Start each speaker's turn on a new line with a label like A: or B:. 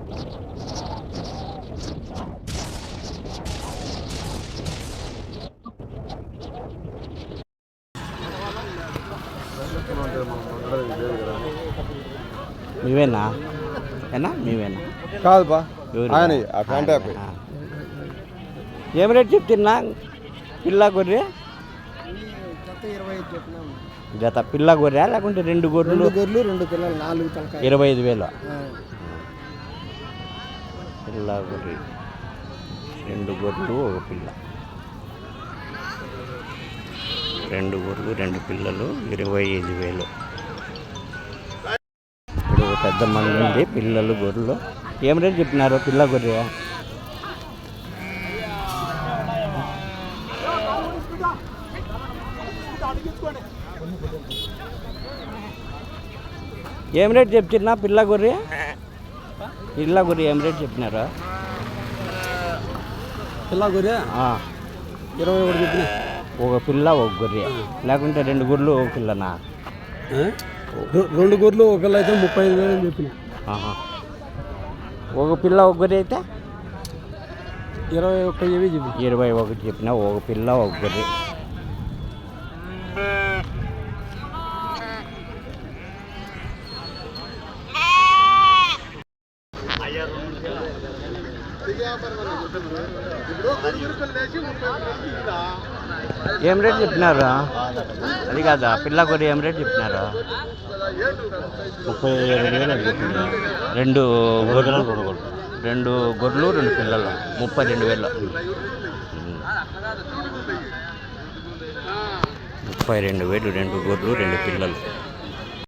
A: మీవేనా ఏనా మీవేనా
B: కాదు బా ఆయన
A: ఏం రేట్ చెప్తున్నా పిల్ల గొర్రె జత పిల్ల గొర్రె లేకుంటే రెండు గొర్రెలు 25,000 పిల్ల గొర్రె రెండు గొర్రెలు ఒక పిల్ల రెండు గొర్రెలు రెండు పిల్లలు 25,000 ఇప్పుడు పెద్ద మంది ఉంది పిల్లలు గొర్రెలు ఏం రేట్ చెప్పినారు పిల్ల గొర్రె ఏం రేట్ చెప్తున్నా పిల్ల గొర్రె ఏం రేట్ చెప్పినారా
B: పిల్ల గొర్రె 21 చెప్పిన
A: ఒక పిల్ల ఒక గొర్రె లేకుంటే రెండు గొర్రెలు ఒక పిల్లనా
B: రెండు గొర్రెలు ఒక పిల్ల అయితే 35,000 అని చెప్పిన
A: ఒక పిల్ల ఒక గొర్రె అయితే
B: 21
A: చెప్పిన ఒక పిల్ల ఒక గొర్రె ఏం రేట్ చెప్పినారా అది కాదా పిల్ల గొర్రె ఏం రేట్ చెప్పినారా
B: 37,000 చెప్పిన
A: రెండు గొర్రెలు రెండు పిల్లలు 32,000 32,000 రెండు గొర్రెలు రెండు పిల్లలు